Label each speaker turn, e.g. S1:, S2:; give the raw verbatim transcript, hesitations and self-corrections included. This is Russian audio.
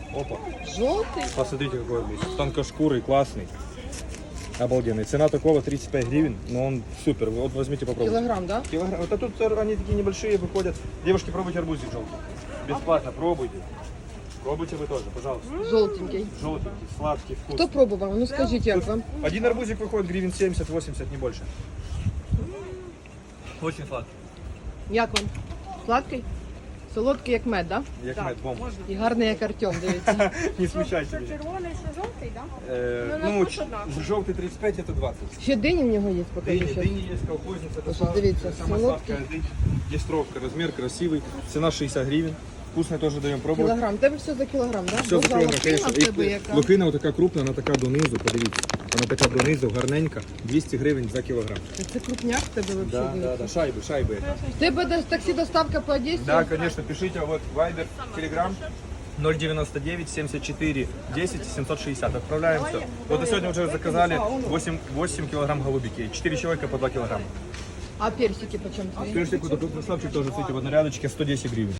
S1: Опа.
S2: Желтый?
S1: Посмотрите, какой арбуз. Тонкошкурый, классный. Обалденный. Цена такого тридцать пять гривен, но он супер. Вот возьмите, попробуйте.
S2: Килограмм, да?
S1: Килограмм. Вот а тут они такие небольшие выходят. Девушки, пробуйте арбузик желтый. Бесплатно, пробуйте. Пробуйте вы тоже, пожалуйста.
S2: Желтенький.
S1: Желтенький, сладкий, вкус.
S2: Кто пробовал? Ну скажите, как вам?
S1: Один арбузик выходит гривен семьдесят-восемьдесят, не больше. Очень сладкий.
S2: Як вам? Сладкий? Солодкий, як мед, да?
S1: Як мед, бомба.
S2: І гарний, як Артем, дивіться.
S1: Не смущайте меня.
S3: Червоний, що жовтий, так?
S1: Э,
S3: Ну,
S1: Ну,
S3: на
S1: ч-
S3: вкус однаково.
S1: желтый тридцать пять, это двадцать.
S2: Ще дині в нього є,
S1: Дыни,
S2: покажу ще.
S1: дыни есть, колхозница. Это
S2: Слушай,
S1: са-
S2: дивіться,
S1: самая
S2: солодкий.
S1: сладкая дынь. Есть ровка, размер красивый. Цена шестьдесят гривен. Вкусное тоже даем пробовать.
S2: Кілограм. Тебе все за кілограм, да?
S1: Все за
S2: Боже, а
S1: кілограм,
S2: лохина
S1: конечно.
S2: в тебе
S1: І
S2: яка?
S1: лохина отака крупна, вона така донизу, подивіться. Вона така донизу, гарненька, двісті гривень за кілограм.
S2: Це крупняк в тебе
S1: Да,
S2: взагалі.
S1: да, да, шайби, шайби.
S2: В тебе до- таксі доставка по Одесі?
S1: Да, конечно, пишите, вот Viber, Telegram ноль девяносто девять семьдесят четыре десять семьсот шестьдесят. Отправляем все. Вот и сегодня уже заказали восемь, восемь килограмм голубики. четыре человека по два килограмма.
S2: А персики почем твої?
S1: Персик, вот этот красавчик тоже, кстати, в однорядочке сто десять гривен.